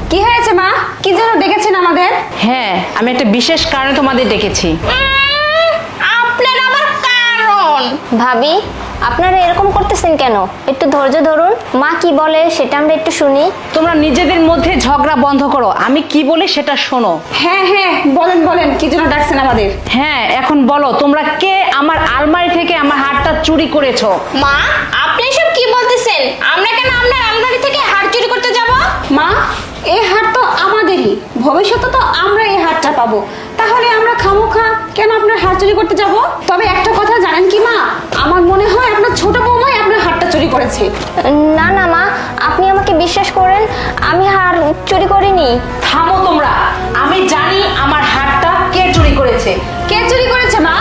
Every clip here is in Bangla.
কি হয়েছে মা? কি জন্য ডেকেছেন আমাদের? হ্যাঁ, আমি একটা বিশেষ কারণে তোমাদের ডেকেছি। আপনার আবার কারণ? ভাবি, আপনারা এরকম করতেছেন কেন? একটু ধৈর্য ধরুন, মা কি বলে সেটা আমরা একটু শুনি। তোমরা নিজেদের মধ্যে ঝগড়া বন্ধ করো, আমি কি বলি সেটা শোনো। হ্যাঁ হ্যাঁ, বলেন বলেন, কি জন্য ডাকছেন আমাদের? হ্যাঁ, এখন বলো তোমরা কে আমার আলমারি থেকে আমার হারটা চুরি করেছো? মা, আপনি সব কি বলতেছেন? আমরা কেন আপনার আলমারি থেকে হার চুরি করতে যাব? মা, এই হাট তো আমাদেরই, ভবিষ্যতে তো আমরা এই হাটটা পাবো, তাহলে আমরা খামোখা কেন আপনার হাট চুরি করতে যাব? তবে একটা কথা জানেন কি মা, আমার মনে হয় আপনার ছোট বৌমাই আপনার হাটটা চুরি করেছে। না না মা, আপনি আমাকে বিশ্বাস করেন, আমি হার চুরি করিনি। থামো তোমরা, আমি জানি আমার হারটা কে চুরি করেছে। কে চুরি করেছে মা?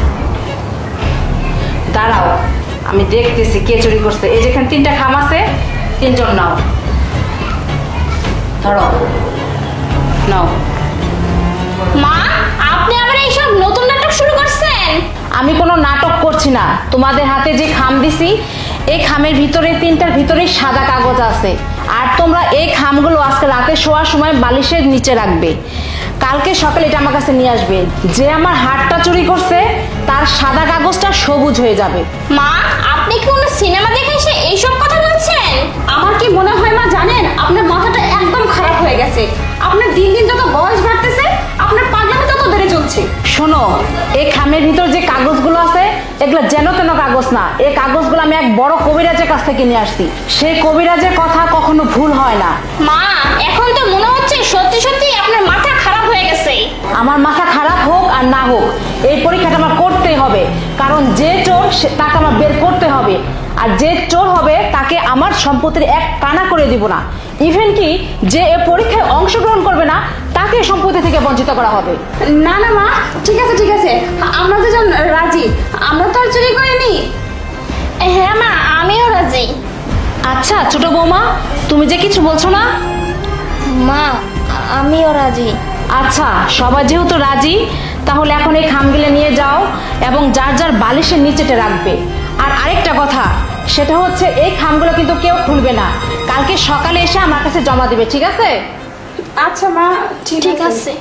দাঁড়াও, আমি দেখতেছি কে চুরি করছে। এই যেখানে 3টা খাম আছে, 3জন নাও, ধরো, নাও। মা, আপনি আবার এইসব নতুন নাটক শুরু করছেন? আমি কোনো নাটক করছি না। তোমাদের হাতে যে খাম দিছি, এই খামের ভিতরে 3টার ভিতরে সাদা কাগজ আছে, আর তোমরা এই খামগুলো আজকে রাতে শোয়ার সময় বালিশের নিচে রাখবে। কালকে সকালে এটা আমার কাছে নিয়ে আসবে। যে আমার হারটা চুরি করছে তার সাদা কাগজটা সবুজ হয়ে যাবে। মা, আপনি কি কোনো সিনেমা দেখে এসে এইসব কথা বলছেন? আমার কি মনে হয় মা জানেন, আপনার মাথাটা একদম খারাপ হয়ে গেছে। আপনার দিন দিন যত বয়স বাড়তেছে, আপনার পাগলামি তত বেড়ে চলছে। শোনো, এই খামের ভিতর যে কাগজগুলো আছে এগুলো যেন তেন কাগজ না। এই কাগজগুলো আমি এক বড় কবিরাজের কাছ থেকে নিয়ে আসছি। সেই কবিরাজের কথা কখনো ভুল হয় না। মা, এখন তো মনে হচ্ছে সত্যি সত্যি আপনার মাথা খারাপ হয়ে গেছে। আমার মাথা খারাপ হোক আর না হোক, এই পরীক্ষাটা আমার করতেই হবে, কারণ যে চোর তাকে আমার বের করতে হবে। আর যে চোর হবে তাকে আমার সম্পত্তির এক কানা করে দিব না। ইভেন কি যে এই পরীক্ষায় অংশগ্রহণ করবে না তাকে সম্পত্তি থেকে বঞ্চিত করা হবে। না না মা, ঠিক আছে ঠিক আছে, আমরা দুজন রাজি। আমরা তো আর চুরি করিনি। হ্যাঁ মা, আমিও রাজি। আচ্ছা ছোট বৌমা, তুমি যে কিছু বলছো না? মা, আমিও রাজি। আচ্ছা, সবাই যেহেতু রাজি, তাহলে এখন এই খামগুলো নিয়ে যাও এবং যার যার বালিশের নিচেতে রাখবে। আর আরেকটা কথা, সেটা হচ্ছে এই খামগুলো কিন্তু কেউ খুলবে না। কালকে সকালে এসে আমার কাছে জমা দিবে, ঠিক আছে? আচ্ছা মা, ঠিক আছে।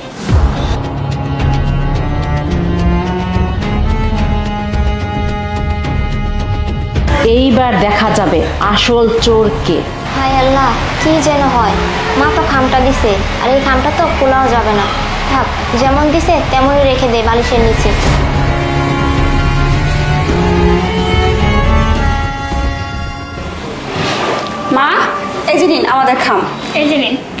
এইবার দেখা যাবে আসল চোর কে। হায় আল্লাহ, কি যেন হয়। মা তো খামটা দিছে, আর এই খামটা তো খোলাও যাবে না। থাক, যেমন দিছে তেমনই রেখে দে বালিশের নিচে। মা, এই যে নিন আমাদের খাম। এই যে নিন।